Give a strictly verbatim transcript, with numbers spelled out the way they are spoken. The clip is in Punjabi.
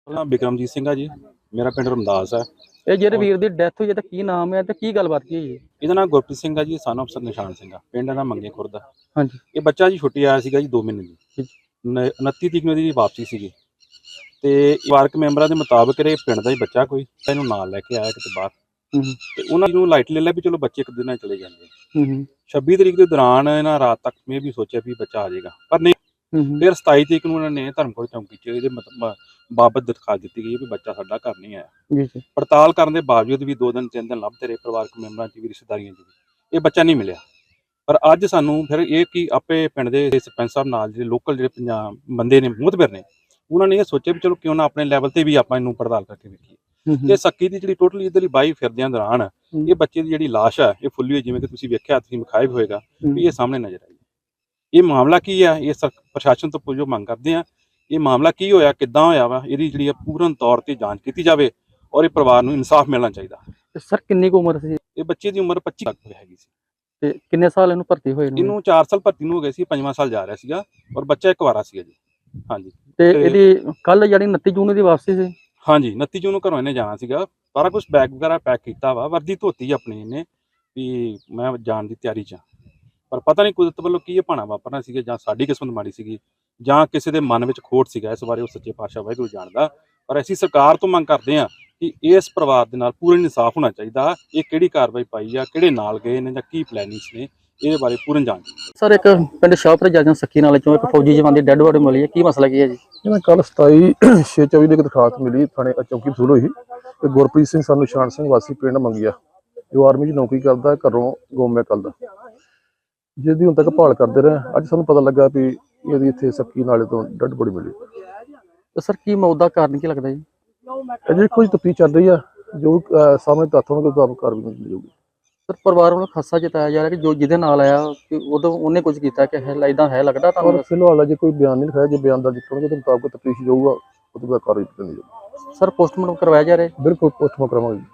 ਨਾਮ ਬਿਕਰਮਜੀਤ ਸਿੰਘ ਆ ਜੀ। ਮੇਰਾ ਪਿੰਡ ਰਮਦਾਸ ਹੈ। ਇਹ ਜਿਹੜੇ ਔਰ ਵੀਰ ਦੀ ਡੈਥ ਹੋਈ ਹੈ ਤਾਂ ਕੀ ਨਾਮ ਹੈ ਤੇ ਕੀ ਗੱਲਬਾਤ ਕੀ ਹੋਈ ਹੈ? ਇਹਦਾ ਨਾਮ ਗੁਰਪ੍ਰੀਤ ਸਿੰਘ ਆ ਜੀ, ਸਨ ਆਫ ਸਰ ਨਿਸ਼ਾਨ ਸਿੰਘ ਆ। ਪਿੰਡ ਦਾ ਮੰਗੇ ਖੁਰਦ ਆ। ਹਾਂਜੀ। ਇਹ ਬੱਚਾ ਜੀ ਛੁੱਟੀ ਆਇਆ ਸੀਗਾ ਜੀ ਦੋ ਮਹੀਨੇ ਦੀ। ਠੀਕ। ਨ- ਉਨੱਤੀ ਤਰੀਕ ਨੂੰ ਇਹਦੀ ਵਾਪਸੀ ਸੀਗੀ ਤੇ ਪਰਿਵਾਰਕ ਮੈਂਬਰਾਂ ਦੇ ਮੁਤਾਬਕ ਇਹ ਪਿੰਡ ਦਾ ਹੀ ਬੱਚਾ ਕੋਈ ਇਹਨੂੰ ਨਾਲ ਲੈ ਕੇ ਆਇਆ ਕਿਤੇ ਬਾਹਰ ਹੂੰ ਤੇ ਉਹਨਾਂ ਨੂੰ ਲਾਈਟ ਲੈ ਲਿਆ ਵੀ ਚਲੋ ਬੱਚੇ ਇੱਕ ਦਿਨ ਨਾਲ ਚਲੇ ਜਾਂਦੇ। ਹੂੰ ਹੂੰ ਛੱਬੀ ਤਰੀਕ ਦੇ ਦੌਰਾਨ ਇਹਨਾਂ ਰਾਤ ਤੱਕ ਮੈਂ ਵੀ ਸੋਚਿਆ ਵੀ ਬੱਚਾ ਆ ਜਾਏਗਾ, ਪਰ ਨਹੀਂ। ਹੂੰ ਫਿਰ ਸਤਾਈ ਤਰੀਕ ਨੂੰ ਉਹਨਾਂ ਨੇ ਧਰਮਕੋਟ ਚੌਂਕੀ 'ਚ ਇਹਦੇ ਮਤ- ਬਾਬਤ ਦਰਖਾਸਤ ਦਿੱਤੀ ਗਈ ਵੀ ਬੱਚਾ ਸਾਡਾ ਘਰ ਨਹੀਂ ਆਇਆ। ਜੀ ਜੀ। ਪੜਤਾਲ ਕਰਨ ਦੇ ਬਾਵਜੂਦ ਵੀ ਦੋ ਦਿਨ ਤਿੰਨ ਦਿਨ ਲੱਭਦੇ ਰਹੇ ਪਰਿਵਾਰਕ ਮੈਂਬਰਾਂ 'ਚ ਵੀ ਰਿਸ਼ਤੇਦਾਰੀਆਂ 'ਚ ਵੀ ਇਹ ਬੱਚਾ ਨਹੀਂ ਮਿਲਿਆ। ਪਰ ਅੱਜ ਸਾਨੂੰ ਫਿਰ ਇਹ ਕਿ ਆਪੇ ਪਿੰਡ ਦੇ ਸਰਪੰਚ ਸਾਹਿਬ ਨਾਲ ਜਿਹੜੇ ਲੋਕਲ ਜਿਹੜੇ ਪੰਜਾਬ ਬੰਦੇ ਨੇ ਮੁਤਬਰ ਨੇ ਉਹਨਾਂ ਨੇ ਇਹ ਸੋਚਿਆ ਵੀ ਚਲੋ ਕਿਉਂ ਨਾ ਆਪਣੇ ਲੈਵਲ ਤੇ ਵੀ ਆਪਾਂ ਇਹਨੂੰ ਪੜਤਾਲ ਕਰਕੇ ਵੇਖੀਏ। ਹੂੰ ਤੇ ਸੱਕੀ ਦੀ ਜਿਹੜੀ ਟੋਟਲੀ ਇੱਧਰਲੀ ਬਾਈ ਫਿਰਦਿਆਂ ਦੌਰਾਨ ਹੂੰ। ਇਹ ਬੱਚੇ ਦੀ ਜਿਹੜੀ ਲਾਸ਼ ਆ ਇਹ ਫੁੱਲੀ ਹੋਈ, ਜਿਵੇਂ ਕਿ ਤੁਸੀਂ ਵੇਖਿਆ ਤੁਸੀਂ ਵਿਖਾਇਆ ਵੀ ਹੋਏਗਾ ਵੀ ਇਹ ਸਾਹਮਣੇ ਨਜ਼ਰ ਆਈ। ਇਹ ਮਾਮਲਾ ਕੀ ਆ, ਇਹ ਸਰ ਪ੍ਰਸ਼ਾਸਨ ਤੋਂ ਪੁੱਛੋ ਮੰਗ ਕਰਦੇ ਆ ਇਹ ਮਾਮਲਾ ਕੀ ਹੋਇਆ, ਕਿੱਦਾਂ ਹੋਇਆ ਵਾ, ਇਹਦੀ ਜਿਹੜੀ ਆ ਪੂਰਨ ਤੌਰ ਤੇ ਜਾਂਚ ਕੀਤੀ ਜਾਵੇ ਔਰ ਇਹ ਪਰਿਵਾਰ ਨੂੰ ਇਨਸਾਫ ਮਿਲਣਾ ਚਾਹੀਦਾ। ਤੇ ਸਰ ਕਿੰਨੀ ਕੁ ਉਮਰ ਸੀ ਇਹ ਬੱਚੇ ਦੀ ਉਮਰ ਪੱਚੀ ਤੱਕ ਹੈਗੀ ਸੀ। ਤੇ ਕਿੰਨੇ ਸਾਲ ਇਹਨੂੰ ਭਰਤੀ ਹੋਏ ਨੂੰ? ਇਹਨੂੰ ਚਾਰ ਸਾਲ ਭਰਤੀ ਨੂੰ ਹੋ ਗਏ ਸੀ, ਪੰਜਵਾਂ ਸਾਲ ਜਾ ਰਿਹਾ ਸੀਗਾ ਔਰ ਬੱਚਾ ਇੱਕ ਵਾਰਾ ਸੀਗਾ ਜੀ। ਹਾਂਜੀ ਤੇ ਤੇ- ਇਹਦੀ ਕੱਲ ਜਿਹੜੀ ਉਨੱਤੀ ਜੂਨ ਦੀ ਵਾਪਸੀ ਸੀ। ਹਾਂਜੀ ਉਨੱਤੀ ਜੂਨ ਨੂੰ ਘਰੋਂ ਇਹਨੇ ਜਾਣਾ ਸੀਗਾ। ਸਾਰਾ ਕੁਝ ਬੈਗ ਵਗੈਰਾ ਪੈਕ ਕੀਤਾ ਵਾ, ਵਰਦੀ ਧੋਤੀ ਆਪਣੀ ਇਹਨੇ ਵੀ ਮੈਂ ਜਾਣ ਦੀ ਤਿਆਰੀ 'ਚ ਹਾਂ। ਪਰ ਪਤਾ ਨਹੀਂ ਕੁਦਰਤ ਵੱਲੋਂ ਕੀ ਇਹ ਭਾਣਾ ਵਾਪਰਨਾ ਸੀਗਾ, ਜਾਂ ਸਾਡੀ ਕਿਸਮਤ ਮਾੜੀ ਸੀਗੀ ਜਾਂ ਕਿਸੇ ਦੇ ਮਨ ਵਿੱਚ ਖੋਟ ਸੀਗਾ। ਇਸ ਬਾਰੇ ਉਹ ਸੱਚੇ ਪਾਤਸ਼ਾਹ ਵਾਹਿਗੁਰੂ ਜਾਣਦਾ। ਪਰ ਅਸੀਂ ਸਰਕਾਰ ਤੋਂ ਮੰਗ ਕਰਦੇ ਹਾਂ ਕਿ ਇਸ ਪਰਿਵਾਰ ਦੇ ਨਾਲ ਪੂਰਨ ਇਨਸਾਫ ਹੋਣਾ ਚਾਹੀਦਾ। ਇਹ ਕਿਹੜੀ ਕਾਰਵਾਈ ਪਾਈ ਆ, ਕਿਹੜੇ ਨਾਲ ਗਏ ਨੇ ਜਾਂ ਕੀ ਪਲੈਨਿੰਗਸ ਨੇ, ਇਹਦੇ ਬਾਰੇ ਪੂਰਨ ਜਾਂਚ। ਸਰ ਇੱਕ ਪਿੰਡ ਸ਼ਾਹਪੁਰ ਜਾਜਾਂ ਸੱਕੀ ਨਾਲੇ ਚੋਂ ਇੱਕ ਫੌਜੀ ਜਵਾਨ ਦੀ ਡੈੱਡ ਬੋਡੀ ਮਿਲੀ ਹੈ, ਕੀ ਮਸਲਾ ਕੀ ਹੈ ਜੀ? ਇਹਨਾਂ ਕੱਲ ਸਤਾਈ ਛੇ ਚੌਵੀ ਨੂੰ ਇੱਕ ਦਰਖਾਸਤ ਮਿਲੀ ਥਾਣੇ ਚੌਕੀ ਵਸੂਲ ਹੋਈ ਤੇ ਗੁਰਪ੍ਰੀਤ ਸਿੰਘ ਸਾਨੂੰ ਨਿਸ਼ਾਨ ਸਿੰਘ ਵਾਸੀ ਪਿੰਡ ਮੰਗਿਆ, ਜੋ ਆਰਮੀ 'ਚ ਨੌਕਰੀ ਕਰਦਾ, ਘਰੋਂ ਗੋਮੇ ਕੱਲਦਾ, ਜਿਹਦੀ ਹੁਣ ਤੱਕ ਭਾਲ ਕਰਦੇ ਰਹੇ। ਅੱਜ ਸਾਨੂੰ ਪਤਾ ਲੱਗਾ ਵੀ ਇਹਦੀ ਇੱਥੇ ਸੱਕੀ ਨਾਲੇ ਤੋਂ ਡੈੱਡ ਬੋਡੀ ਮਿਲੀ। ਤੇ ਸਰ ਕੀ ਮੌਤ ਦਾ ਕਾਰਨ ਕੀ ਲੱਗਦਾ ਜੀ? ਅਜੇ ਕੁਝ ਤਫਤੀਸ਼ ਚੱਲ ਰਹੀ ਆ, ਜੋ ਅਹ, ਸਾਹਮਣੇ ਤੱਥ ਹੋਣਗੇ ਉਸ ਮੁਤਾਬਕ ਕਾਰਵਾਈ ਮਿਲ ਜਾਊਗੀ। ਸਰ ਪਰਿਵਾਰ ਵੱਲੋਂ ਖਾਸਾ ਜਤਾਇਆ ਜਾ ਰਿਹਾ ਕਿ ਜੋ ਜਿਹਦੇ ਨਾਲ ਆਇਆ ਕਿ ਉਦੋਂ ਉਹਨੇ ਕੁਝ ਕੀਤਾ ਕਿ ਹੈ ਇਦਾਂ ਹੈ ਲੱਗਦਾ ਪਰ ਤੁਹਾਨੂੰ? ਫਿਲਹਾਲ ਅਜੇ ਕੋਈ ਬਿਆਨ ਨਹੀਂ ਲਿਖਾਇਆ, ਜੇ ਬਿਆਨ ਦਰਜ ਕਰਨਗੇ ਤਾਂ ਮੁਤਾਬਕ ਤਫਤੀਸ਼ ਜਾਊਗਾ, ਉਹ ਤੋਂ ਬਾਅਦ ਕਾਰਵਾਈ ਕੀਤੀ ਜਾਊਗੀ। ਸਰ ਪੋਸਟਮਾਰਟਮ ਕਰਵਾਇਆ ਜਾ ਰਿਹਾ ਹੈ? ਬਿਲਕੁਲ ਪੋਸਟਮਾਰਟਮ ਕਰਾਵਾਂਗੇ।